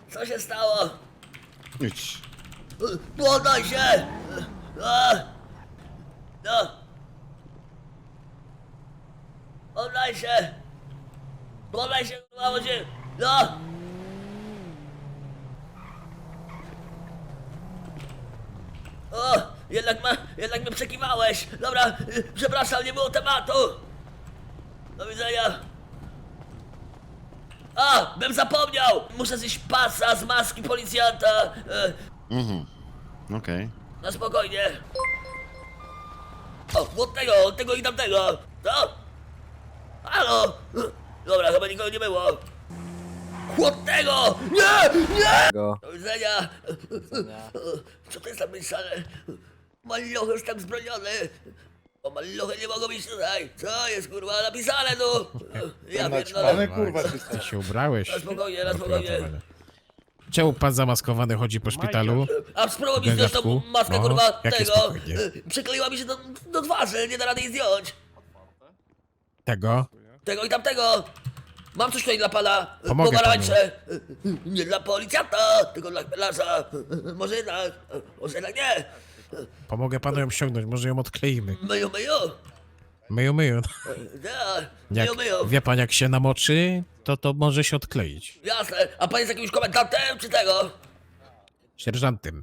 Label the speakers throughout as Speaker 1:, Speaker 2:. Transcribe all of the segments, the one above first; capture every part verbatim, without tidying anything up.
Speaker 1: Co się stało?
Speaker 2: Idź.
Speaker 1: Poddaj się! A! No! Poddaj się! Poddaj się, kurwa, bo cię... No! O! Jednak, ma, jednak mnie przekiwałeś! Dobra, y, przepraszam, nie było tematu! Do widzenia! A! Bym zapomniał! Muszę zjeść pasa z maski policjanta! E,
Speaker 2: Mhm. Okej.
Speaker 1: Na spokojnie. O, od tego, od tego i tamtego. Co? Halo? Dobra, chyba nikogo nie było. Od tego! Nie! Nie!
Speaker 3: Go.
Speaker 1: Do widzenia. Co to jest napisane? Maluch jest tam zbroniony. O, maluchy nie mogą być tutaj. Co jest, kurwa, napisane tu? Ja pierdolę.
Speaker 4: Ale kurwa, ty
Speaker 5: Ty się ubrałeś.
Speaker 1: Na spokojnie, na
Speaker 5: Do
Speaker 1: spokojnie.
Speaker 5: uratowania. Czemu pan zamaskowany chodzi po szpitalu?
Speaker 1: A spróbuj mi zdjąć tą
Speaker 5: Gęgaczku?
Speaker 1: maskę,
Speaker 5: No,
Speaker 1: kurwa,
Speaker 5: jakie
Speaker 1: tego.
Speaker 5: spokojnie?
Speaker 1: Przykleiła mi się do, do twarzy, nie da rady jej zdjąć.
Speaker 5: Tego?
Speaker 1: Tego i tamtego! Mam coś tutaj dla pana!
Speaker 5: Pomogę
Speaker 1: Pomarańcze! Nie dla policjanta, tylko dla chmielarza! Może jednak, może jednak nie!
Speaker 5: Pomogę panu ją ściągnąć, może ją odkleimy.
Speaker 1: Myju, myju!
Speaker 5: Myju, myju.
Speaker 1: Ja,
Speaker 5: Jak,
Speaker 1: myju, myju!
Speaker 5: wie pan, jak się namoczy, to to może się odkleić.
Speaker 1: Jasne, a pan jest jakimś komendantem, czy tego?
Speaker 5: Sierżantem.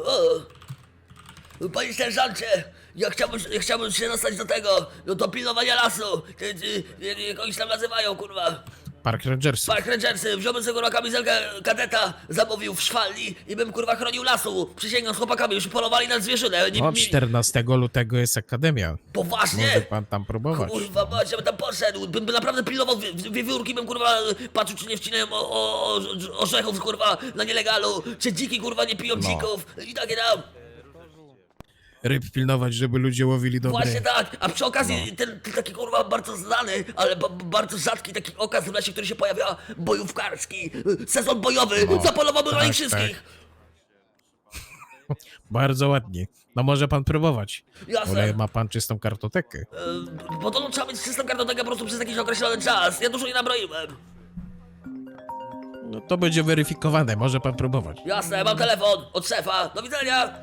Speaker 1: O. Panie sierżancie, ja chciałbym, ja chciałbym się dostać do tego, do, do pilnowania lasu. Ty, ty, ty, jak oni się tam nazywają, kurwa.
Speaker 5: Park Rangersów.
Speaker 1: Park Rangersy, wziąłbym sobie kurwa kamizelkę kadeta, zamówił w szwalni i bym kurwa chronił lasu. Przysięgam z chłopakami, już polowali na zwierzynę. Nie,
Speaker 5: Od
Speaker 1: mi-
Speaker 5: czternastego lutego jest akademia.
Speaker 1: Poważnie?
Speaker 5: Może pan tam próbować.
Speaker 1: Kurwa mać, ja bym tam poszedł, bym, bym naprawdę pilnował wi- wi- wiewiórki, bym kurwa patrzył, czy nie wcinają o, o, o, orzechów kurwa na nielegalu, czy dziki kurwa nie piją
Speaker 5: No.
Speaker 1: dzików i takie tam.
Speaker 5: Ryb pilnować, żeby ludzie łowili dobre.
Speaker 1: Właśnie tak, a przy okazji
Speaker 5: No.
Speaker 1: ten, ten taki kurwa bardzo znany, ale ba, bardzo rzadki taki okaz w lesie, który się pojawia, bojówkarski, sezon bojowy,
Speaker 5: No,
Speaker 1: zapolowałbym na
Speaker 5: tak,
Speaker 1: nich wszystkich.
Speaker 5: Bardzo ładnie. No może pan próbować.
Speaker 1: Jasne.
Speaker 5: Ale ma pan czystą kartotekę.
Speaker 1: E, Bo to trzeba mieć czystą kartotekę po prostu przez jakiś określony czas. Ja dużo nie nabroiłem.
Speaker 5: No to będzie weryfikowane, może pan próbować.
Speaker 1: Jasne, mam telefon od szefa. Do widzenia.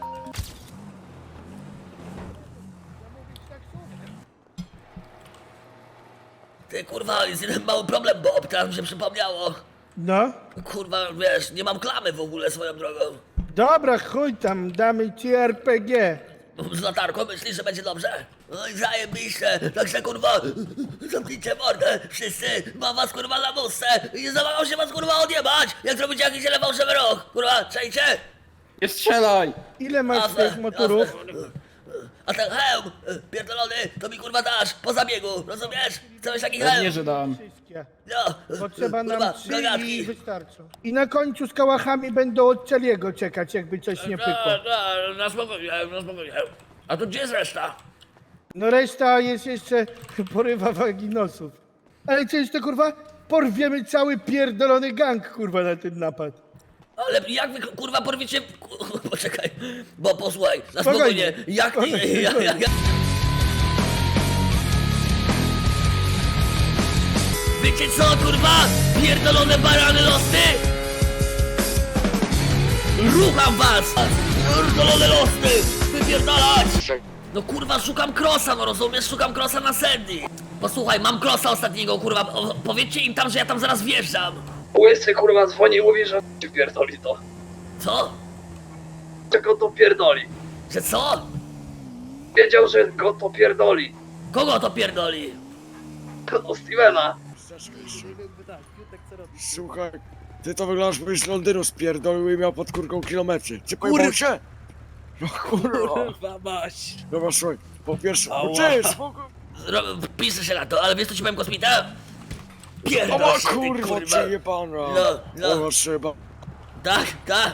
Speaker 1: Ty kurwa, jest jeden mały problem, Bob, teraz mi się przypomniało.
Speaker 4: No,
Speaker 1: Kurwa, wiesz, nie mam klamy w ogóle swoją drogą.
Speaker 4: dobra, chuj tam, damy ci R P G.
Speaker 1: Z latarką myślisz, że będzie dobrze? Oj, zajebiście, także kurwa, zamknijcie mordę, wszyscy, mam was kurwa na wózce i nie zamagał się was kurwa odjebać, jak zrobicie jakiś jeden fałszywy ruch, kurwa, czajcie?
Speaker 6: Nie strzelaj!
Speaker 4: Ile masz
Speaker 1: Jasne,
Speaker 4: tych motorów?
Speaker 1: jasne. A ten hełm, y, pierdolony, to mi kurwa dasz, po zabiegu, rozumiesz? Chcesz taki
Speaker 6: Pewnie,
Speaker 1: hełm?
Speaker 6: że dam.
Speaker 4: Wszystkie.
Speaker 1: No,
Speaker 4: Potrzeba
Speaker 1: kurwa,
Speaker 4: nam trzy i
Speaker 1: gagatki.
Speaker 4: wystarczą. I na końcu z kałachami będą od Celiego czekać, jakby coś nie pykło.
Speaker 1: No, no, na spokojnie, na spokojnie. A to gdzie jest reszta?
Speaker 4: No reszta jest jeszcze porywa waginosów. Ale co jeszcze kurwa? Porwiemy cały pierdolony gang kurwa na ten napad.
Speaker 1: Ale jak wy kurwa porwiecie... ku- Poczekaj, bo posłuchaj, na
Speaker 4: Spokojnie.
Speaker 1: spokojnie, jak...
Speaker 4: Spokojnie,
Speaker 1: Ja, ja, ja. Wiecie co kurwa? Pierdolone barany losy! Rucham was! Pierdolone losy! Wypierdalać! No kurwa, szukam krosa, no rozumiesz? Szukam krosa na Sandy. Posłuchaj, mam krosa ostatniego, kurwa. O, powiedzcie im tam, że ja tam zaraz wjeżdżam.
Speaker 6: Łysy kurwa dzwoni i mówi, że ci pierdoli to.
Speaker 1: Co?
Speaker 6: Czego to pierdoli?
Speaker 1: Że co?
Speaker 6: Wiedział, że go to pierdoli.
Speaker 1: Kogo to pierdoli?
Speaker 6: To Stevena.
Speaker 7: Słuchaj, ty to wyglądasz, byś z Londynu spierdolił i miał pod kurką kilometry. Czy
Speaker 1: Kur-
Speaker 7: pojebał się? No kurwa.
Speaker 6: Kurwa maś.
Speaker 7: Dobra, słuchaj, po pierwsze,
Speaker 6: Ała.
Speaker 7: no cześć, spoko.
Speaker 1: Ro- Piszę się na to, ale wiesz co ci powiem, kosmita? Pierdol
Speaker 7: Oła
Speaker 1: się, ty,
Speaker 7: kurwa,
Speaker 1: kurwa.
Speaker 7: przejebana.
Speaker 1: No, no.
Speaker 7: Oła trzeba.
Speaker 1: Tak, tak.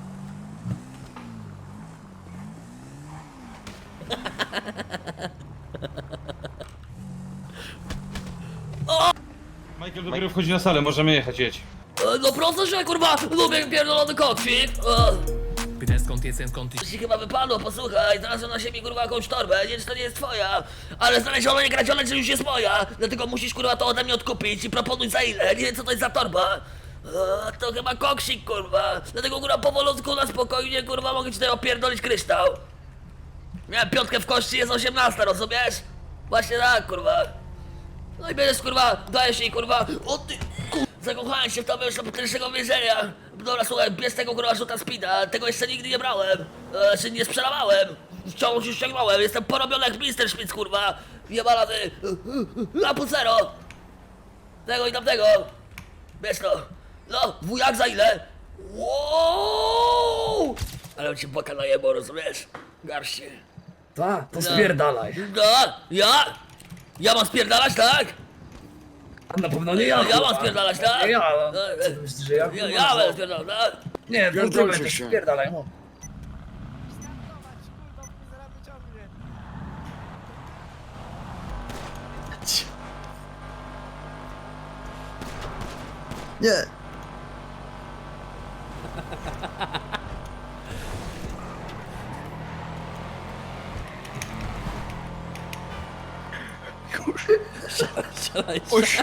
Speaker 8: Michael dopiero wchodzi na salę, możemy jechać, jedź.
Speaker 1: E, No proszę się, kurwa, lubię pierdolony kokwik. O.
Speaker 9: Pytałem skąd jestem, skąd ty
Speaker 1: Ci chyba wypadło, posłuchaj, znalazłem na siebie kurwa jakąś torbę, nie wiem, czy to nie jest twoja, ale znaleziono nie kradzione, czy już jest moja, dlatego musisz kurwa to ode mnie odkupić i proponuj za ile, nie wiem co to jest za torba. A, to chyba koksik, kurwa. Dlatego, kurwa, powolutku, na spokojnie, kurwa, mogę ci tutaj opierdolić kryształ. Miałem piątkę w kości, jest osiemnasta, rozumiesz? Właśnie tak, kurwa. No i będziesz, kurwa, dajesz jej, kurwa, o ty, kurwa, zakochałem się w tobie już do potężnego więzienia. Dobra, słuchaj, bierz tego, kurwa, rzuta speeda, tego jeszcze nigdy nie brałem, e, czy nie sprzedawałem. Wciąż już ściągnąłem, jestem porobiony jak mister Szpic, kurwa. Jebana ty, na pucero. Tego i tamtego. Bierz to. No, wujak za ile? Wow! Ale on cię baka najebał, rozumiesz? Garści.
Speaker 6: Ta, to spierdalaj.
Speaker 1: No, ja? Ja mam spierdalać, tak?
Speaker 6: A na pewno nie ja,
Speaker 1: Ja, ja mam
Speaker 6: kurwa.
Speaker 1: spierdalać, tak?
Speaker 6: Nie ja, no.
Speaker 1: No,
Speaker 6: Co ty myślisz, że ja?
Speaker 1: Ja,
Speaker 6: kurwa,
Speaker 1: ja
Speaker 6: co?
Speaker 1: będę spierdalał, tak?
Speaker 6: Nie, w ogóle
Speaker 7: Pierdolcie
Speaker 6: to
Speaker 7: się.
Speaker 6: spierdalaj, no.
Speaker 3: Nie.
Speaker 1: Strzelaj,
Speaker 7: Oś.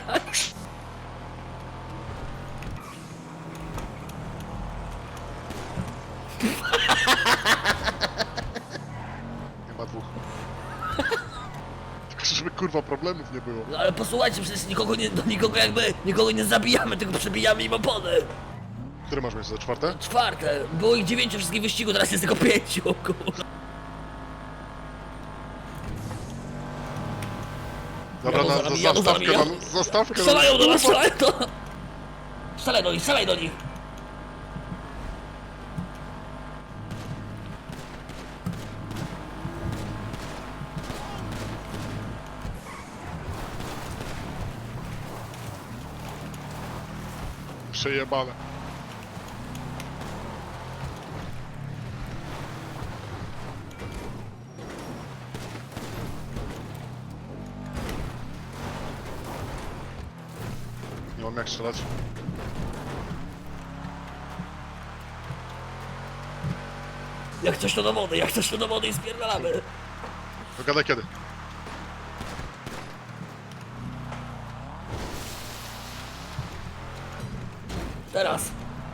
Speaker 10: Nie ma dwóch. Tylko żeby kurwa problemów nie było.
Speaker 1: No ale posłuchajcie, przecież nikogo nie, do nikogo jakby, nikogo nie zabijamy, tylko przebijamy im opony.
Speaker 10: Które masz miejsce? Czwarte?
Speaker 1: Czwarte, było ich dziewięciu wszystkich wyścigu, teraz jest tylko pięciu, kurwa.
Speaker 10: Dobra,
Speaker 1: Jadą
Speaker 10: na,
Speaker 1: za
Speaker 10: za,
Speaker 1: nami, jadą za
Speaker 10: zastawkę,
Speaker 1: nami,
Speaker 10: na, zastawkę
Speaker 1: Strzelają do nas,
Speaker 10: kurwa.
Speaker 1: strzelają do nas! Strzelaj do nich, strzelaj do nich!
Speaker 10: Przejebane. Nie mam jak strzelać.
Speaker 1: Jak coś to do wody, jak coś to do wody i spierdalamy.
Speaker 10: Dogadaj kiedy.
Speaker 1: Teraz.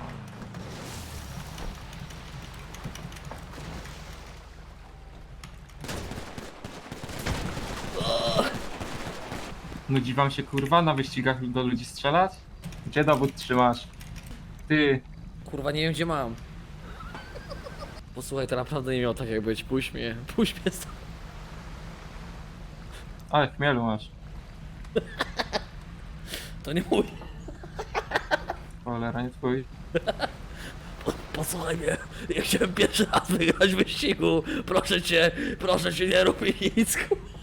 Speaker 8: Nudzi wam się kurwa na wyścigach do ludzi strzelać? Gdzie dowód trzymasz? Ty,
Speaker 11: Kurwa, nie wiem gdzie mam. Posłuchaj, to naprawdę nie miał tak jak być. Puść mnie, puść mnie stąd.
Speaker 8: ale chmielu masz.
Speaker 1: To nie mój.
Speaker 8: Cholera, nie twój.
Speaker 1: Posłuchaj mnie, ja chciałem pierwszy raz wygrać w wyścigu. Proszę cię, proszę cię, nie rób mi nic.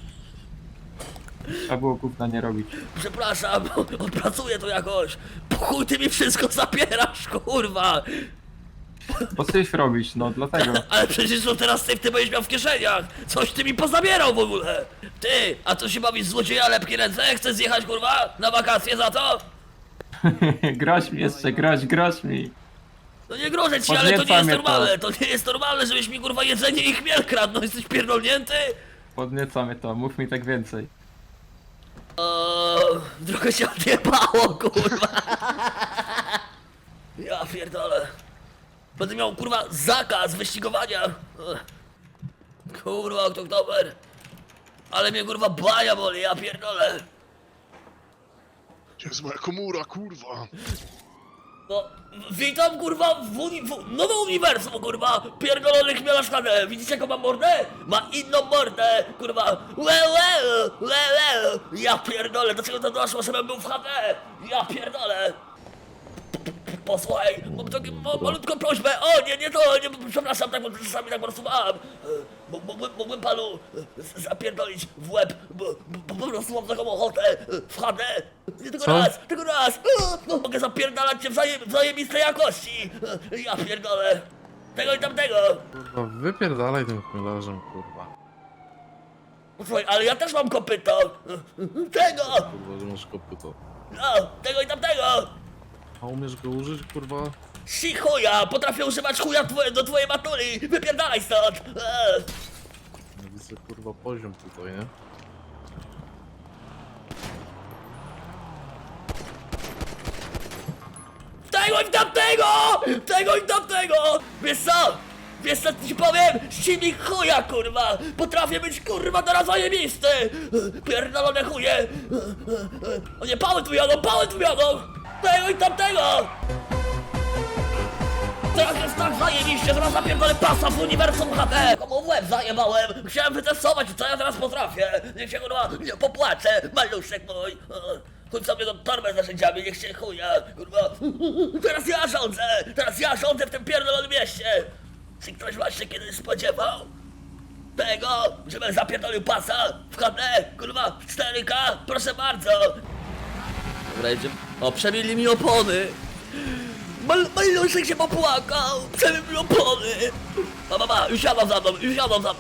Speaker 8: Trzeba było gówna nie robić.
Speaker 1: Przepraszam, odpracuję to jakoś. Po chuj ty mi wszystko zabierasz, kurwa.
Speaker 8: Po coś robisz, no dlatego.
Speaker 1: Ale przecież to teraz ty, ty będziesz miał w kieszeniach. Coś ty mi pozabierał w ogóle. Ty, a co się bawisz złodzieja lepkie ręce? Chcesz zjechać, kurwa, na wakacje za to?
Speaker 8: Groź mi jeszcze, groź, groź mi.
Speaker 1: No nie grożę ci, ale to nie
Speaker 8: Podnieca
Speaker 1: jest
Speaker 8: mnie
Speaker 1: normalne. To nie jest normalne, żebyś mi, kurwa, jedzenie i chmiel kradł. No jesteś pierdolnięty?
Speaker 8: Podnieca mnie to, mów mi tak więcej.
Speaker 1: O, trochę się odjebało, kurwa. Ja pierdolę. Będę miał, kurwa, zakaz wyścigowania. Ech. Kurwa, Oktober. Ale mnie, kurwa, baja boli, ja pierdolę.
Speaker 10: Gdzie jest moja komura, kurwa?
Speaker 1: No, witam, kurwa, w, uni w nowym uniwersum, kurwa, pierdolony chmielarz H D. Widzicie, jaką ma mordę? Ma inną mordę, kurwa. Łe, łe, łe, łe. Ja pierdolę, do czego to doszło, żebym był w H D? Ja pierdolę. Posłuchaj, mam taką ma, malutką prośbę. O, nie, nie to, nie, przepraszam, tak, bo czasami tak po prostu mam. E, Mógłbym, mógłbym panu e, zapierdolić w łeb, bo, bo po prostu mam taką ochotę e, w H D. Nie tylko
Speaker 8: Co?
Speaker 1: raz, tylko raz. E, No, mogę zapierdalać cię w zaje, w zajebistej jakości. E, Ja pierdolę. Tego i tamtego.
Speaker 2: Kurwa, wypierdalaj tym chmielarzem, kurwa.
Speaker 1: Posłuchaj, ale ja też mam kopyto. E, Tego.
Speaker 2: Kurwa, że masz kopyto.
Speaker 1: No, tego i tamtego.
Speaker 2: A umiesz go użyć, kurwa?
Speaker 1: Si chuja, potrafię używać chuja twoje, do twojej matuli. Wypierdalaj stąd. E.
Speaker 2: Ja widzę, kurwa, poziom tutaj, nie?
Speaker 1: Tego! tego i tamtego! Tego i tamtego! Wiesz co? Wiesz co ci powiem? Ścimnik chuja, kurwa! Potrafię być, kurwa, teraz zajebisty! Pierdolone chuje! O nie, pały tu jadą, pały tu jadą! Tego i tamtego! Teraz jest tak zajebiście, zaraz zapierdolę pasa w uniwersum H D! Komu w łeb zajebałem! Chciałem wytestować, co ja teraz potrafię! Niech się, kurwa, nie popłaczę, maluszek mój! Chodź sobie do torbę z narzędziami, niech się chuja, kurwa! Teraz ja rządzę! Teraz ja rządzę w tym pierdolonym mieście! Czy ktoś właśnie kiedyś spodziewał tego, żebym zapierdolił pasa w H D, kurwa, w cztery K? Proszę bardzo! Dobra, jedziemy. O, przebili mi opony! Mal, maluszek się popłakał! Przebił mi opony! Ma, ma, ma, już jadą za mną, już jadą za mną!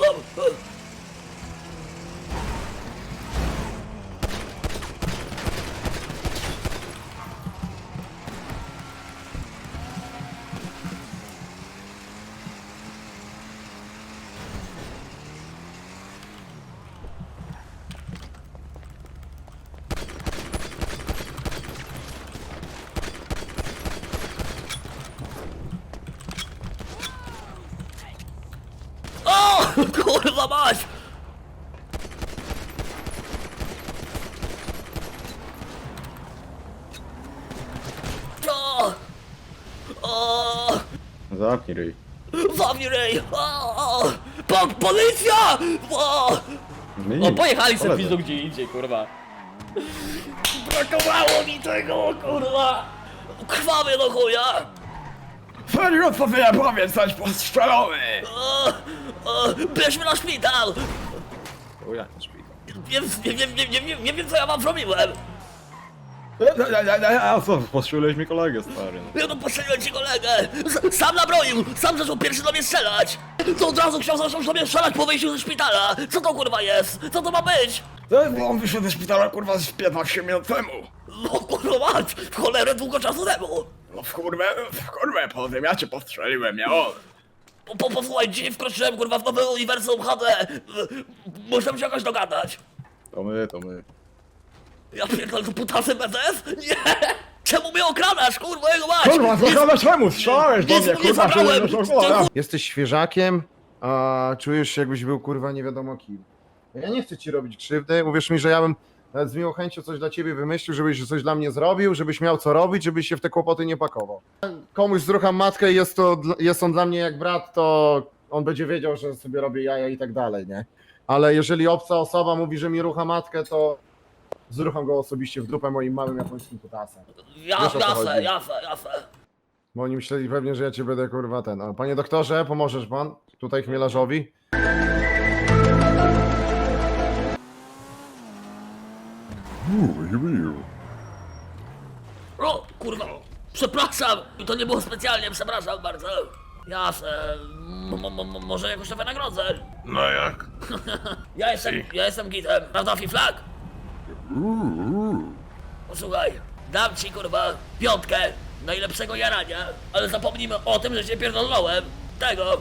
Speaker 1: O! Kurwa mać! O! O!
Speaker 7: Zamknij ryj.
Speaker 1: Zamknij ryj! O! Po, policja! O! O, pojechali sobie pizdu gdzie indziej, kurwa. Brakowało mi tego, kurwa! Krwawie do chuja!
Speaker 7: Feriot, powinien powiedz coś postrzelony!
Speaker 1: O! O! Bierzmy na szpital!
Speaker 7: O jak to szpital?
Speaker 1: Nie, nie, nie, nie, nie, nie, nie wiem co ja wam zrobiłem!
Speaker 7: A co, postrzeliłeś mi kolegę, stary.
Speaker 1: Ja no postrzeliłem ci kolegę! S sam nabroił! Sam zaczął pierwszy do mnie strzelać! To od razu chciał zacząć do mnie strzelać po wyjściu ze szpitala! Co to kurwa jest? Co to ma być?
Speaker 7: Bo on wyszedł ze szpitala, kurwa, z piętnaście minut temu.
Speaker 1: No kurwa mać! W cholerę długo czasu temu!
Speaker 7: No w kurwę, w kurwę, po tym ja cię postrzeliłem, ja on.
Speaker 1: Po, po, posłuchaj, dzisiaj wkroczyłem kurwa w nowe uniwersum H D! Muszę się jakoś dogadać!
Speaker 7: To my, to my.
Speaker 1: Ja pierdolę, to putasy B Z S? Nie! Czemu mnie okradasz, kurwa, jego mać?
Speaker 7: Kurwa, zachować czemu? Strzelałeś do
Speaker 1: Nic
Speaker 7: mnie,
Speaker 1: mu nie
Speaker 7: kurwa,
Speaker 1: zabrałem!
Speaker 7: żeby nie szokowała.
Speaker 3: Jesteś świeżakiem, a czujesz się jakbyś był kurwa nie wiadomo kim. Ja nie chcę ci robić krzywdy, uwierz mi, że ja bym nawet z miłą chęcią coś dla ciebie wymyślił, żebyś coś dla mnie zrobił, żebyś miał co robić, żebyś się w te kłopoty nie pakował. Komuś zrucham matkę i jest, to, dla- jest on dla mnie jak brat, to on będzie wiedział, że sobie robię jaja i tak dalej, nie? Ale jeżeli obca osoba mówi, że mi rucha matkę, to zrucham go osobiście w dupę moim małym japońskim kutasem.
Speaker 1: Ja,
Speaker 3: Wiesz, o co
Speaker 1: jasne,
Speaker 3: chodzi.
Speaker 1: jasne, jasne.
Speaker 3: Bo oni myśleli pewnie, że ja cię będę kurwa ten. A panie doktorze, pomożesz pan tutaj chmielarzowi?
Speaker 1: O, kurwa, przepraszam, to nie było specjalnie, przepraszam bardzo. Jasne, m- m- m- może jakoś to wynagrodzę.
Speaker 10: No jak?
Speaker 1: Ja jestem, ja jestem gitem, prawda, Fiflak? Posłuchaj, dam ci, kurwa, piątkę najlepszego jarania, ale zapomnijmy o tym, że cię pierdolnąłem. Tego.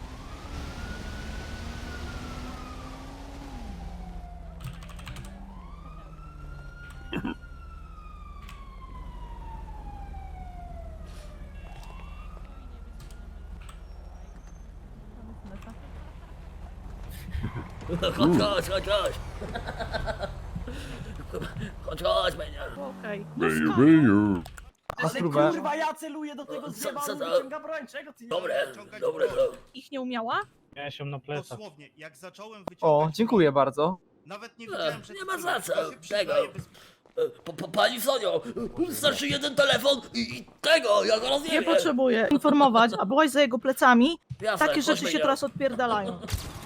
Speaker 1: Chodź, chodź, chodź, chodź. Chodź, chodź, będzie.
Speaker 12: Okej.
Speaker 3: A spróbę.
Speaker 12: Kurwa, ja celuję do tego
Speaker 1: Co-
Speaker 12: zjeba,
Speaker 1: co
Speaker 12: on
Speaker 1: to?
Speaker 12: wyciąga broń, czego ty nie
Speaker 1: Dobre, dobre to.
Speaker 12: Ich nie umiała?
Speaker 8: Ja się na plecach.
Speaker 10: Dosłownie, jak zacząłem
Speaker 12: O, dziękuję bardzo.
Speaker 10: Nawet nie
Speaker 1: E, nie ma za co, tego. E, Po, po, pani Sonio, starszy jeden telefon i, i tego, ja go
Speaker 12: Nie
Speaker 1: rozjebię.
Speaker 12: potrzebuję informować, a byłaś za jego plecami.
Speaker 1: Jasne,
Speaker 12: Takie rzeczy
Speaker 1: chodźmy,
Speaker 12: się
Speaker 1: nie.
Speaker 12: teraz odpierdalają.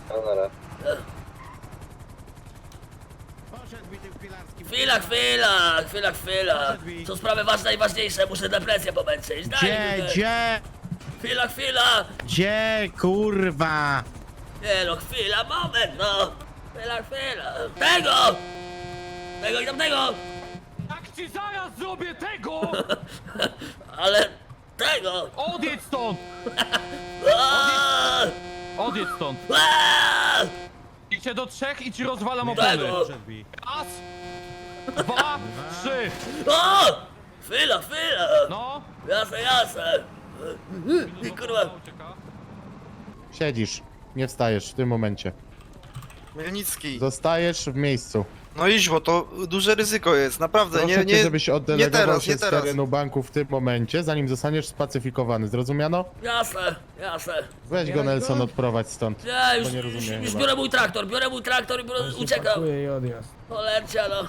Speaker 1: Chwila, chwila, chwila, chwila. Są sprawy ważne i ważniejsze, muszę depresję pomęczyć. Daj mi chwilę.
Speaker 5: gdzie,
Speaker 1: Chwila, chwila.
Speaker 5: gdzie, kurwa?
Speaker 1: Nie no, chwila, moment, no. Chwila, chwila. Tego! Tego i tamtego!
Speaker 8: Jak ci zaraz zrobię tego!
Speaker 1: Ale tego!
Speaker 8: Odjedź stąd!
Speaker 1: Aaaa!
Speaker 8: Odjedź stąd!
Speaker 1: Aaaa!
Speaker 8: Idźcie do trzech i ci rozwalam
Speaker 1: Tego!
Speaker 8: Raz, dwa, trzy!
Speaker 1: O! Chwila, chwila!
Speaker 8: No,
Speaker 1: Jasne, jasne. I kurwa.
Speaker 3: Siedzisz, nie wstajesz w tym momencie.
Speaker 7: Mielnicki.
Speaker 3: Zostajesz w miejscu.
Speaker 7: No idź, bo to duże ryzyko jest, naprawdę,
Speaker 3: Proszę cię, żebyś oddelegował
Speaker 7: teraz,
Speaker 3: się
Speaker 7: nie
Speaker 3: z
Speaker 7: teraz.
Speaker 3: terenu banku w tym momencie, zanim zostaniesz spacyfikowany. Zrozumiano?
Speaker 1: Jasne, jasne.
Speaker 3: Weź go, Nelson, odprowadź stąd.
Speaker 1: Ja już,
Speaker 3: Bo nie
Speaker 1: już,
Speaker 3: rozumiem
Speaker 1: już
Speaker 3: chyba.
Speaker 1: biorę mój traktor, biorę mój traktor i biorę, uciekam.
Speaker 4: Pakuję i odjazd.
Speaker 1: Polercia no.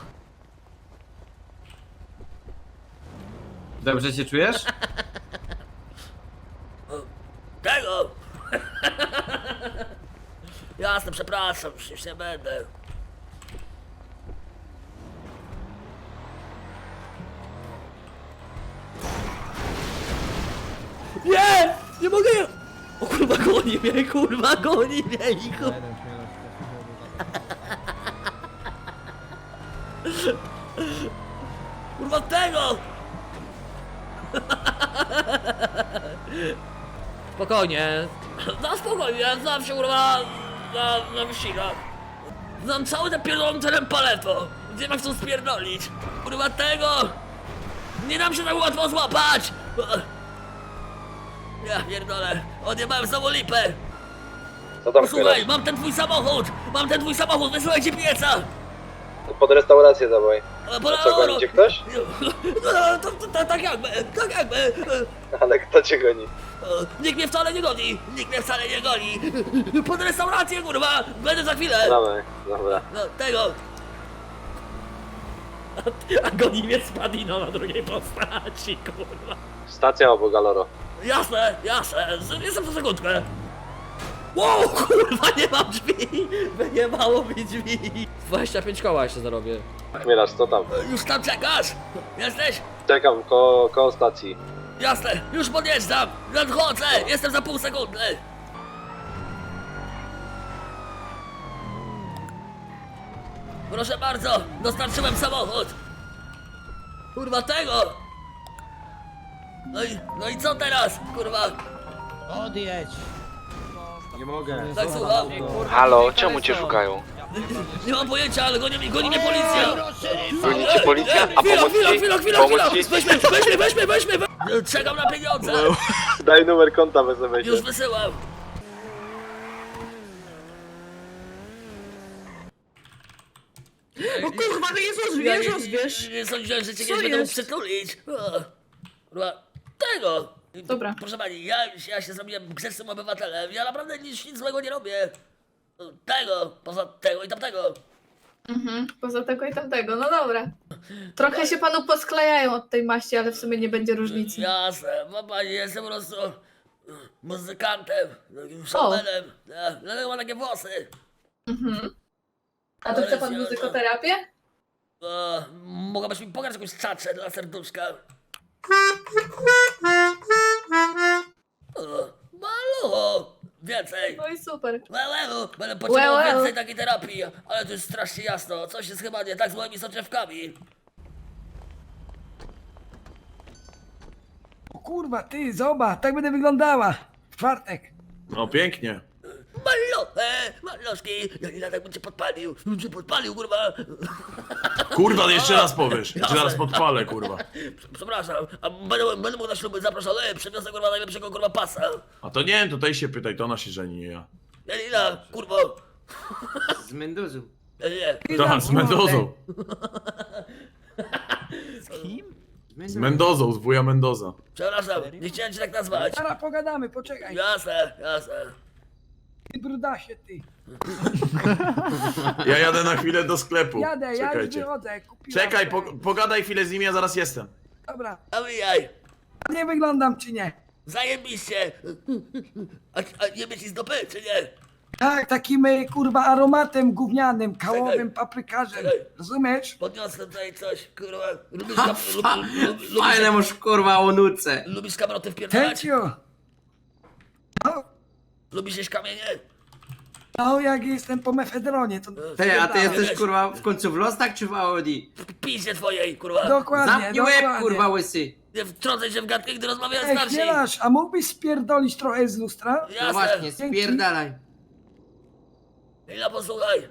Speaker 8: Dobrze się czujesz?
Speaker 1: Tego! Jasne, przepraszam, już, już nie będę. Nie! Nie mogę! O kurwa, goni mnie, kurwa, goni mnie i kurwa. Kurwa tego!
Speaker 11: Spokojnie.
Speaker 1: No spokojnie, znam się kurwa na, na wyścigach. Znam cały ten pierdolony teren paleto. Gdzie ma chcą spierdolić? Kurwa tego! Nie dam się tak łatwo złapać! Ja pierdolę, odjebałem znowu lipę.
Speaker 7: Co tam
Speaker 1: Słuchaj, mam ten twój samochód! Mam ten twój samochód, wysyłaj ci pieca!
Speaker 7: Pod restaurację dawaj.
Speaker 1: Bo
Speaker 7: co, goni cię ktoś?
Speaker 1: No, to, to, to, tak jakby, tak jakby.
Speaker 7: Ale kto cię goni?
Speaker 1: Nikt mnie wcale nie goni, nikt mnie wcale nie goni. Pod restaurację, kurwa, będę za chwilę.
Speaker 7: Dawaj, dobra.
Speaker 1: No, tego. A, a goni mnie Spadino na drugiej postaci, kurwa.
Speaker 7: Stacja obok Galoro.
Speaker 1: Jasne, jasne, z- jestem za sekundkę. Wow, kurwa, nie mam drzwi. Wyjebało mi drzwi.
Speaker 11: dwadzieścia pięć koła jeszcze zarobię.
Speaker 7: Chmielarz, co tam?
Speaker 1: Już tam czekasz? Jesteś?
Speaker 7: Czekam ko koło stacji.
Speaker 1: Jasne, już podjeżdżam. Nadchodzę, jestem za pół sekundy. Proszę bardzo, dostarczyłem samochód. Kurwa tego. No i, no i co teraz, kurwa?
Speaker 5: Odjedź.
Speaker 7: Nie mogę.
Speaker 1: Tak słucham?
Speaker 7: Halo, czemu cię szukają?
Speaker 1: Nie mam pojęcia, ale goni, mi- goni mnie policja.
Speaker 7: Goni cię policja? A
Speaker 1: Chwila,
Speaker 7: pomóc
Speaker 1: chwila,
Speaker 7: ci?
Speaker 1: chwila, chwila,
Speaker 7: Pomóc
Speaker 1: chwila.
Speaker 7: ci?
Speaker 1: Weźmy, weźmy, weźmy, weźmy. we- Czekam na pieniądze.
Speaker 7: Daj numer konta w es em esie.
Speaker 1: Już wysyłam.
Speaker 12: O kurwa, no Jezus,
Speaker 1: Ja
Speaker 12: wiesz,
Speaker 1: nie,
Speaker 12: rozwiesz.
Speaker 1: nie, nie sądziłem, że cię
Speaker 12: Co
Speaker 1: nie będę mógł
Speaker 12: jest?
Speaker 1: przytulić. O, kurwa, tego.
Speaker 12: Dobra.
Speaker 1: Proszę pani, ja, ja się zrobiłem grzecznym obywatelem. Ja naprawdę nic, nic złego nie robię. Tego, poza tego i tamtego.
Speaker 12: Mhm, poza tego i tamtego, no dobra. Trochę się panu posklejają od tej maści, ale w sumie nie będzie różnicy.
Speaker 1: Jasne, ma pani, jestem po prostu muzykantem, takim showmanem. Ja, dlatego mam takie włosy.
Speaker 12: Mhm. A to chce pan muzykoterapię?
Speaker 1: O, mogłabyś mi pokazać jakąś czaczę dla serduszka? O, malucho, więcej.
Speaker 12: No i super.
Speaker 1: Łełeł, będę potrzebował
Speaker 12: Łełeł.
Speaker 1: więcej takiej terapii, ale to jest strasznie jasno, coś jest chyba nie tak z moimi soczewkami.
Speaker 4: O kurwa, ty, zobacz, tak będę wyglądała. W czwartek.
Speaker 2: No pięknie.
Speaker 1: Malo, e, Maloszki, Janina tak bym cię podpalił, bym cię podpalił, kurwa.
Speaker 2: Kurwa, jeszcze raz powiesz.
Speaker 1: Jeszcze raz
Speaker 2: podpalę, kurwa.
Speaker 1: Przepraszam, a będę, będę mógł na śluby zaproszony, przyniosę kurwa najlepszego kurwa pasa.
Speaker 2: A to nie wiem, tutaj się pytaj, to ona się żeni, nie ja.
Speaker 1: Janina, kurwo.
Speaker 7: Z Mendozu.
Speaker 1: Nie, nie.
Speaker 2: To z Mendozą. Z Mendozą, z wuja Mendoza.
Speaker 1: Przepraszam, nie chciałem cię tak nazwać.
Speaker 4: Zaraz pogadamy, poczekaj.
Speaker 1: Jasne, jasne.
Speaker 4: Ty brudasie, ty.
Speaker 2: Ja jadę na chwilę do sklepu.
Speaker 4: Jadę, ja już
Speaker 2: Czekajcie.
Speaker 4: wychodzę. Kupiłam
Speaker 2: Czekaj,
Speaker 4: te-
Speaker 2: po, pogadaj chwilę z nim, ja zaraz jestem.
Speaker 4: Dobra,
Speaker 1: A wyjaj,
Speaker 4: a nie wyglądam czy nie?
Speaker 1: zajebiście. A, a nie mieć z dopy, czy nie?
Speaker 4: Tak, takim e, kurwa aromatem gównianym, kałowym paprykarzem.
Speaker 1: Czekaj.
Speaker 4: Rozumiesz?
Speaker 1: Podniosłem tutaj coś, kurwa. Lubisz, kam lub, lub, lub,
Speaker 7: Fajne
Speaker 1: lubisz,
Speaker 7: masz kurwa o nuce.
Speaker 1: lubisz kamroty wpierdalać?
Speaker 4: Tęcio. No,
Speaker 1: Lubisz jeść kamienie?
Speaker 4: no jak jestem po mefedronie, to...
Speaker 7: Ty, a ty
Speaker 1: Wiesz,
Speaker 7: jesteś kurwa w końcu w Lostak czy w Audi?
Speaker 1: W piździe twojej, kurwa.
Speaker 4: Dokładnie,
Speaker 7: Zamknij
Speaker 4: dokładnie.
Speaker 7: łeb kurwa łysy.
Speaker 1: Nie wtrącaj się w gadkę, gdy rozmawiają
Speaker 4: Ej,
Speaker 1: starsi.
Speaker 4: chwielarz, a mógłbyś spierdolić trochę z lustra?
Speaker 1: Jasne.
Speaker 7: No właśnie,
Speaker 4: Dzięki.
Speaker 7: spierdalaj.
Speaker 1: Ila, posłuchaj.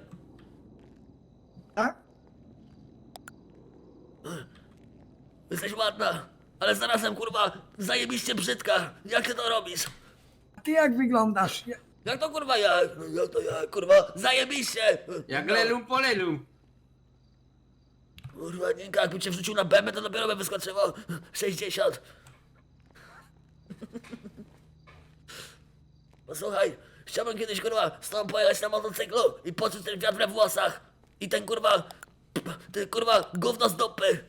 Speaker 4: Tak?
Speaker 1: Jesteś ładna, ale zarazem kurwa zajebiście brzydka. Jak ty to robisz?
Speaker 6: Ty jak wyglądasz? Ja...
Speaker 1: Jak to kurwa ja? Jak to ja kurwa? Zajebiście!
Speaker 11: Jak lelum po lelum.
Speaker 1: Kurwa, Ninka, jakby cię wrzucił na bębę, to dopiero by wyskoczyło sześćdziesiąt. Posłuchaj, chciałbym kiedyś kurwa z tobą pojechać na motocyklu i poczuć ten wiatr we włosach. I ten kurwa, ty kurwa gówno z dupy.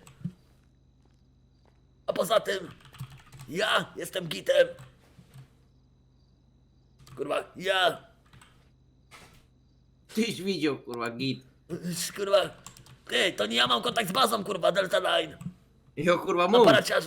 Speaker 1: A poza tym, ja jestem gitem. Kurwa, ja.
Speaker 11: Tyś widział, kurwa, git.
Speaker 1: Kurwa, ty, to nie ja mam kontakt z bazą, kurwa, Delta Line.
Speaker 11: Jo, kurwa,
Speaker 1: Na
Speaker 11: mów.
Speaker 1: paraciarzu.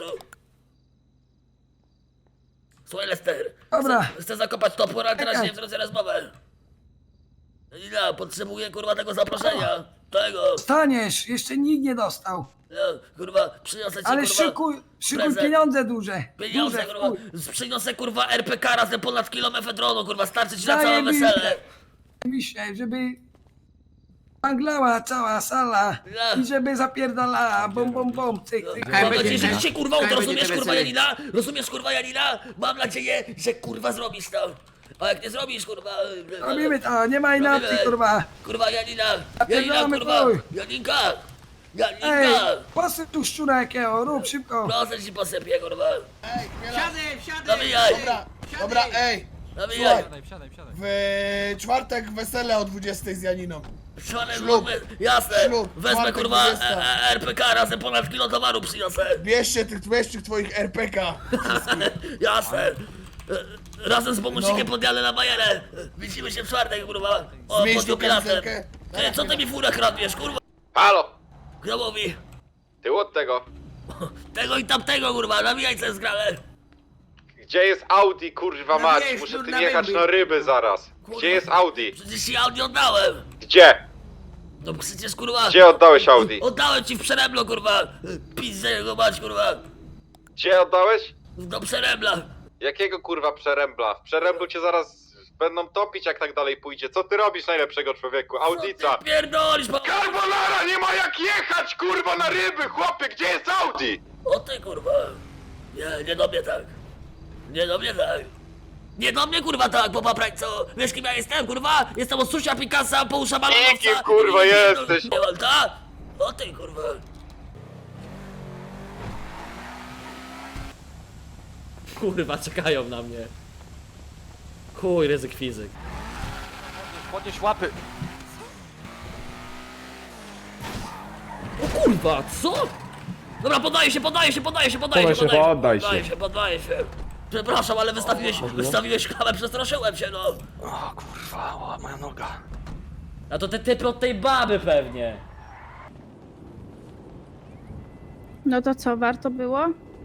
Speaker 1: Słuchaj, Lester.
Speaker 6: Dobra.
Speaker 1: Chcę, chcę zakopać topór, ale teraz
Speaker 6: Czekaj.
Speaker 1: nie wtrącę rozmowę. Ja potrzebuję, kurwa, tego zaproszenia. Tego.
Speaker 6: Staniesz, jeszcze nikt nie dostał.
Speaker 1: Ja, kurwa, przyniosę ci,
Speaker 6: Ale
Speaker 1: kurwa,
Speaker 6: szykuj, szykuj
Speaker 1: prezent.
Speaker 6: pieniądze duże.
Speaker 1: pieniądze,
Speaker 6: duże,
Speaker 1: kurwa.
Speaker 6: wpój.
Speaker 1: Przyniosę, kurwa, R P K razem ponad kilo mefedronu, kurwa. Starczy ci na całe
Speaker 6: Zajebiste.
Speaker 1: wesele.
Speaker 6: Myślę, żeby anglała cała sala
Speaker 1: Ja.
Speaker 6: i żeby zapierdalała, bom, bom, bom, cyk, cyk.
Speaker 1: Mam
Speaker 11: będzie
Speaker 1: nadzieję, że
Speaker 11: ten-
Speaker 1: ci się kurwa uda,
Speaker 11: kaj będzie
Speaker 1: rozumiesz
Speaker 11: ten
Speaker 1: kurwa
Speaker 11: wesele.
Speaker 1: Janina? Rozumiesz kurwa Janina? Mam nadzieję, że kurwa zrobisz to. A jak nie zrobisz kurwa...
Speaker 6: Robimy to, nie ma inaczej,
Speaker 1: Robimy.
Speaker 6: kurwa.
Speaker 1: Kurwa Janina! Janina
Speaker 6: Zapierdalamy
Speaker 1: kurwa!
Speaker 6: chuj.
Speaker 1: Janinka!
Speaker 6: Ej,
Speaker 1: Janinka!
Speaker 6: posyp tu szczura jakiego, rób szybko.
Speaker 1: Proszę ci posypię kurwa!
Speaker 11: Wsiadaj, wsiadaj.
Speaker 1: Nawijaj!
Speaker 10: Dobra, dobra, ej!
Speaker 1: Nawijaj!
Speaker 10: W czwartek wesele o dwudziestej z Janiną.
Speaker 1: Szalem,
Speaker 10: Ślub.
Speaker 1: jasne!
Speaker 10: Ślub.
Speaker 1: Wezmę
Speaker 10: Czwartek,
Speaker 1: kurwa
Speaker 10: dwudziesta.
Speaker 1: e, e, R P K razem ponad kilo towaru przyniosę!
Speaker 10: Bierzcie tych, bierz tych twoich R P K.
Speaker 1: Jasne! E, Razem z bonusikiem
Speaker 10: No.
Speaker 1: podjadę na bajerę! Widzimy się w czwartek kurwa! O,
Speaker 10: Zmień
Speaker 1: pod
Speaker 10: tą
Speaker 1: jubilatem!
Speaker 10: kamizelkę.
Speaker 1: Ty, co ty mi furę kradniesz kurwa?
Speaker 13: Halo!
Speaker 1: Kto mówi?
Speaker 13: Ty od tego.
Speaker 1: Tego i tamtego kurwa, nawijaj co jest grane!
Speaker 13: Gdzie jest Audi, kurwa
Speaker 11: No
Speaker 13: mać?
Speaker 11: wiesz,
Speaker 13: Muszę
Speaker 11: no
Speaker 13: tu
Speaker 11: na
Speaker 13: jechać
Speaker 11: ryby.
Speaker 13: na ryby zaraz.
Speaker 1: Kurwa.
Speaker 13: Gdzie jest Audi?
Speaker 1: Przecież ja nie oddałem!
Speaker 13: Gdzie?
Speaker 1: No przecież kurwa...
Speaker 13: Gdzie oddałeś Audi?
Speaker 1: Oddałem ci w Przeremlo, kurwa! Pizdę jego mać, kurwa!
Speaker 13: Gdzie oddałeś?
Speaker 1: Do Przeremla!
Speaker 13: Jakiego kurwa przerębla? W przeręblu cię zaraz będą topić, jak tak dalej pójdzie. Co ty robisz, najlepszego człowieku? Audica!
Speaker 1: Co ty pierdolisz, bo...
Speaker 13: Carbonara, nie ma jak jechać, kurwa, na ryby, chłopie! Gdzie jest Audi?
Speaker 1: O ty, kurwa! Nie, nie do mnie tak! Nie do mnie tak! Nie do mnie, kurwa, tak, bo paprać co? Wiesz kim ja jestem, kurwa? Jestem od Susia Picasa, po usza balonowca!
Speaker 13: Nikim, kurwa,
Speaker 1: Nie, nie, nie,
Speaker 13: jesteś.
Speaker 1: Nie, nie, tak? O ty, kurwa!
Speaker 11: Kurwa, czekają na mnie. Chuj, ryzyk fizyk.
Speaker 13: Podnieś łapy.
Speaker 1: O kurwa, co? Dobra, poddaję się, poddaję się, poddaję się, poddaję się, poddaję się, poddaję się, poddaję się. Przepraszam, ale wystawiłeś, wystawiłeś klamę, przestraszyłem się, no.
Speaker 13: O kurwa, o, moja noga.
Speaker 11: A to te typy od tej baby pewnie.
Speaker 12: No to co, warto było?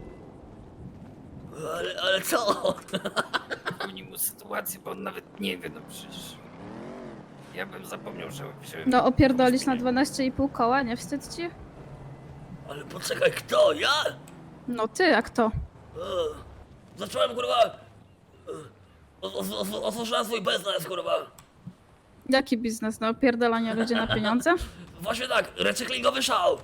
Speaker 1: Ale, ale co?
Speaker 9: Przypomnij mu sytuację, bo on nawet nie wie, no przecież... Ja bym zapomniał, że wziąłem...
Speaker 12: No opierdolić na dwanaście i pół koła, nie wstyd ci?
Speaker 1: Ale poczekaj, kto? Ja?
Speaker 12: No ty, a kto?
Speaker 1: E, Zacząłem, kurwa... e, o- o- o- Otworzyłem swój biznes, kurwa.
Speaker 12: Jaki biznes? No opierdolanie ludzi na pieniądze?
Speaker 1: Właśnie tak, recyklingowy szał.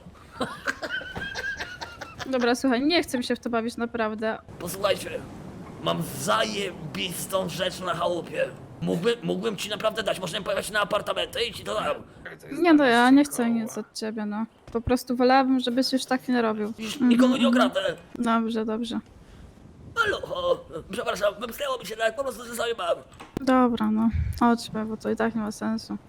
Speaker 12: Dobra, słuchaj, nie chcę mi się w to bawić naprawdę.
Speaker 1: Posłuchajcie, mam zajebistą rzecz na chałupie. Mógłby, mógłbym ci naprawdę dać, możemy pojechać na apartamenty i ci to dam.
Speaker 12: Nie no, ja nie chcę nic od ciebie, no. Po prostu wolałabym, żebyś już tak nie robił.
Speaker 1: Już nikogo nie okradę.
Speaker 12: Dobrze, dobrze.
Speaker 1: Halo, o, przepraszam, wymknęło mi się tak, po prostu ze sobie mam.
Speaker 12: Dobra, no. Chodźmy, bo to i tak nie ma sensu.